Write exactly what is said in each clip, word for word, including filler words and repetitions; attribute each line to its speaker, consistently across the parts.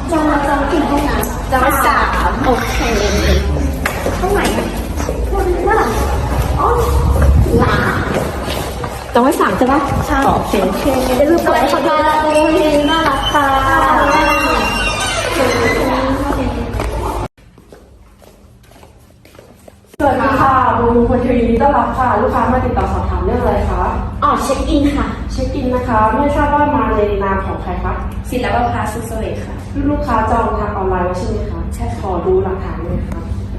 Speaker 1: จองจองกี่ห้องนะจองสามโอเคห้องไหนอ่ะคนว่าอ๋อหลาจองไว้สามใช่ปะใช่โอเคโอเคได้รูปอะไรขอบคุณโอ้ยน่ารักค่ะ
Speaker 2: สวัสดีค่ะบูมคนทีวีต้อนรับค่ะลูกค้ามาติดต่อสอบถามเรื่องอะไรคะ
Speaker 1: อ๋อเช็คอินค่ะ
Speaker 2: เช็คอินนะคะไม่ทราบว่ามาในนามของใครคะ
Speaker 1: ศิลปภาสุสเวทค่ะ
Speaker 2: ลูกค้าจองทางออนไลน์ไว้ใช่ไหมคะใช่ขอดูหลักฐานเลยค่ะ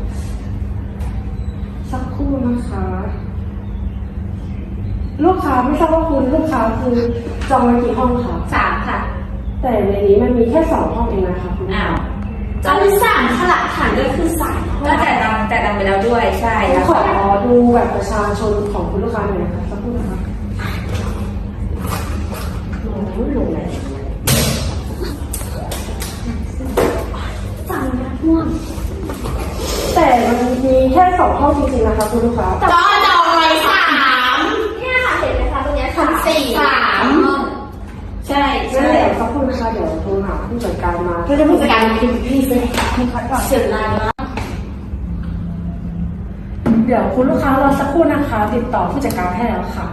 Speaker 2: สักครู่นะคะลูกค้าไม่ทราบว่าคุณลูกค้าคือจองไว้กี่ห้องคะ
Speaker 1: สามค่ะ
Speaker 2: แต่ในนี้มันมีแค่สองห้องเองนะคะคุณ
Speaker 1: อ้าวจองไว้สามค่ะหลักฐานด้วยคือสามห้องแต่ดังแต่ดังไปแล้วด้วยใช่แล้ว
Speaker 2: ขอดูแบบประชาชนของคุณลูกค้าหน่อยนะคะสักครู่นะคะโอ้ยลงไหน
Speaker 1: จังนะม่วง
Speaker 2: แต่มันมีแค่สองห้องจริงๆนะคะคุณลูกค้า
Speaker 1: ก็จองไว้สามเนี่ยค่ะเห็นไหมคะตรงนี้ชั้นสี่สามห้องใช่
Speaker 2: ใช่เดี๋ยวสักครู่นะคะเดี๋ยวโทรหาผู้จัดการมา
Speaker 1: ก็จะผู้จัดการคือพี่เซ็ให้คัดก่อนเสียงานมาก
Speaker 2: เดี๋ยวคุณลูกค้ารอสักครู่นะคะติดต่อผู้จัดการให้แล้วค่ะ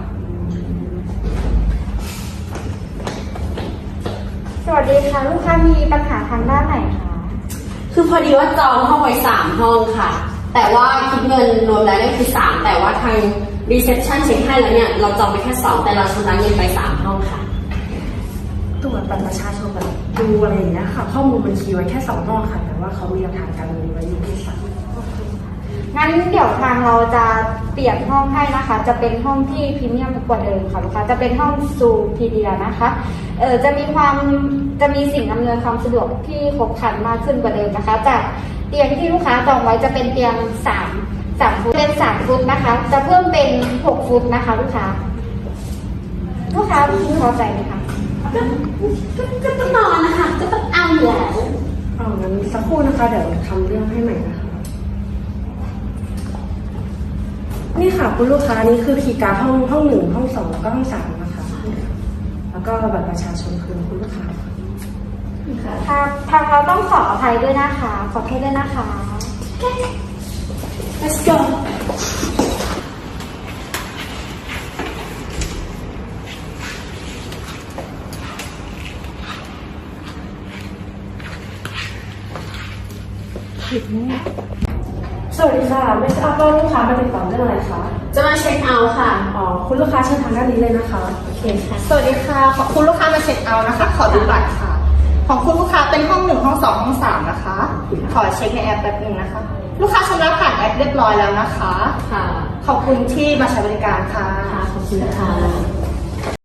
Speaker 3: สวัสดีค่ะลูกค้ามีปัญหาทางด้านไหนคะ
Speaker 1: คือพอดีว่าจองห้องไว้สามห้องค่ะแต่ว่าคิดเงินรวมแล้วเนี่ยคือสามแต่ว่าทางรีเซพชันเช็คให้แล้วเนี่ยเราจองไปแค่สองแต่เราชำระเงินไปสามห้องค่ะ
Speaker 2: ตรวจบัตรประชาชนแบบดูอะไรอย่างเงี้ยค่ะข้อมูลบัญชีไว้แค่สองห้องค่ะแต่ว่าเขามีหลักฐานการเงินไว้อยู่ที่สาม
Speaker 3: งั้นเดี๋ยวทางเราจะเปลี่ยนห้องให้นะคะจะเป็นห้องที่พรีเมียมกว่าเดิมค่ะลูกค้าจะเป็นห้องซูพีเดียนะคะเออจะมีความจะมีสิ่งอำนวยความสะดวกที่ครบครันมากขึ้นกว่าเดิมนะคะจากเตียงที่ลูกค้าจองไว้จะเป็นเตียงสามสามฟุตเป็นสามฟุตนะคะจะเพิ่มเป็นหกฟุตนะคะลูกค้าลูกค้าพอใจไหมคะ
Speaker 1: ก็ก็ต้องนอนนะคะก็ต้องเอาอยู่แล้ว
Speaker 2: อ๋องั้นสักครู่นะคะเดี๋ยวทำเรื่องให้ใหม่นะคะนี่ค่ะคุณลูกค้านี่คือคีย์การ์ดห้องห้องหนึ่งห้องสองแล้วก็ห้องสามนะคะแล้วก็บัตรประชาชนคือคุณลูกค้า
Speaker 3: ทางทางเราต้องขออภัยด้วยนะคะขอโทษด้วยนะคะ
Speaker 1: let's go
Speaker 2: สวัสดีค่ะไม่ทราบว่าลูกค้ามาติดต่อเรื่องอะไรคะ
Speaker 1: จะมาเช็คเอาท์ค่ะ
Speaker 2: อ๋อคุณลูกค้าเชิญทางด้านนี้เลยนะคะ
Speaker 1: โอเคค่ะ
Speaker 4: สวัสดีค่ะขอบคุณลูกค้ามาเช็คเอาท์นะคะขอดูบัตรค่ะของคุณลูกค้าเป็นห้องหนึ่งห้องสองห้องสามนะคะขอเช็คในแอปแป๊บนึงนะคะลูกค้าชำระผ่านแอปเรียบร้อยแล้วนะคะ
Speaker 1: ค่ะ
Speaker 4: ขอบคุณที่มาใช้บริการค่ะ
Speaker 1: ค่ะขอบคุณค่ะ